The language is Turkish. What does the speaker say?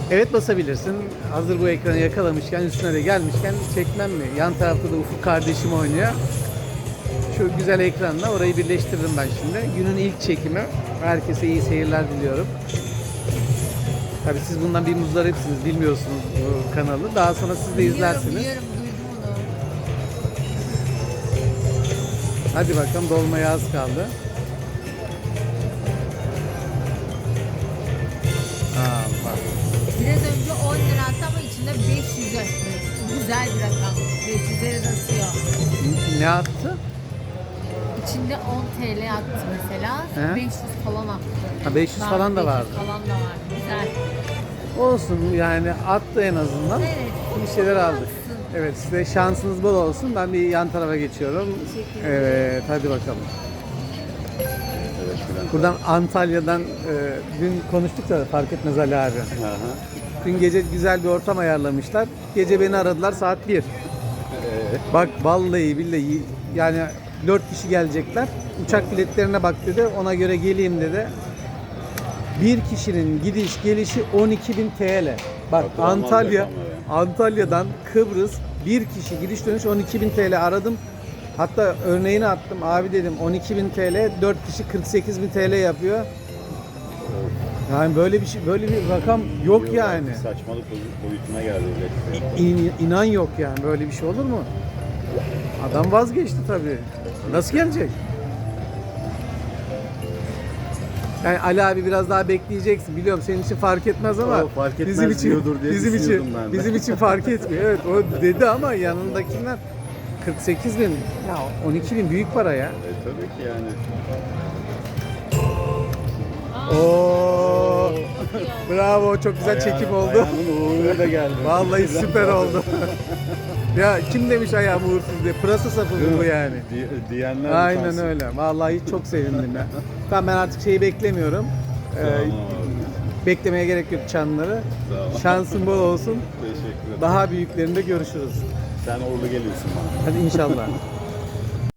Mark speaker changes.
Speaker 1: Evet basabilirsin. Hazır bu ekranı yakalamışken, üstüne de gelmişken çekmem mi? Yan tarafta da Ufuk kardeşim oynuyor. Şu güzel ekranla orayı birleştiririm ben şimdi. Günün ilk çekimi. Herkese iyi seyirler diliyorum. Tabii siz bundan bir muzdaripsiniz, bilmiyorsunuz bu kanalı. Daha sonra siz de izlersiniz.
Speaker 2: Biliyorum, duydum onu.
Speaker 1: Hadi bakalım, dolmaya az kaldı. Bak.
Speaker 2: Biraz önce 10 lira attı ama içinde 500 attı. Güzel bir rakam. 500'leri de atıyor.
Speaker 1: Ne attı?
Speaker 2: İçinde 10 TL attı mesela.
Speaker 1: He?
Speaker 2: 500 falan attı.
Speaker 1: Ha, 500
Speaker 2: Daha
Speaker 1: falan da
Speaker 2: 500
Speaker 1: vardı.
Speaker 2: falan da var. Güzel.
Speaker 1: Olsun yani, attı en azından.
Speaker 2: Evet.
Speaker 1: Bir şeyler aldık.
Speaker 2: Olsun.
Speaker 1: Evet, size şansınız bol olsun. Ben bir yan tarafa geçiyorum.
Speaker 2: Teşekkür ederim.
Speaker 1: Evet, hadi bakalım.
Speaker 3: Evet, Bülent.
Speaker 1: Buradan Antalya'dan dün konuştuk da fark etmez Ali abi.
Speaker 3: Aha.
Speaker 1: Dün gece güzel bir ortam ayarlamışlar. Gece beni aradılar saat 1. Bak vallahi billahi yani 4 kişi gelecekler. Uçak biletlerine bak dedi. Ona göre geleyim dedi. Bir kişinin gidiş gelişi 12.000 TL. Bak
Speaker 3: Hatırlamaz
Speaker 1: Antalya,
Speaker 3: rakamları.
Speaker 1: Antalya'dan Kıbrıs bir kişi gidiş dönüş 12.000 TL aradım. Hatta örneğini attım. Abi dedim 12.000 TL 4 kişi 48.000 TL yapıyor. Yani böyle bir şey, böyle bir rakam yok yani.
Speaker 3: Saçmalık boyutuna geldi öyle.
Speaker 1: İnan yok yani, böyle bir şey olur mu? Adam vazgeçti tabii. Nasıl gelecek? Yani Ali abi biraz daha bekleyeceksin. Biliyorum senin için fark etmez ama
Speaker 3: O fark etmez
Speaker 1: bizim için
Speaker 3: diyordur diye
Speaker 1: bizim için
Speaker 3: düşünüyordum ben de.
Speaker 1: bizim için fark etmiyor. Evet o dedi ama yanındakiler 48.000 ya 12.000 büyük para ya.
Speaker 3: Tabii ki yani.
Speaker 1: Oo! Bravo, çok güzel çekim oldu.
Speaker 3: Ayağının uğurlu da geldi.
Speaker 1: Vallahi süper oldu. Ya kim demiş ayağım uğursuz diye. Pırasa sapı bu yani.
Speaker 3: Diyenler
Speaker 1: Aynen
Speaker 3: utansın.
Speaker 1: öyle. Vallahi çok sevindim ya. Tamam, ben artık şeyi beklemiyorum.
Speaker 3: Sağ olun abi.
Speaker 1: Beklemeye gerek yok çanları.
Speaker 3: Sağ ol.
Speaker 1: Şansın bol olsun.
Speaker 3: Teşekkür ederim.
Speaker 1: Daha büyüklerinde görüşürüz.
Speaker 3: Sen uğurlu geliyorsun bana.
Speaker 1: Hadi inşallah.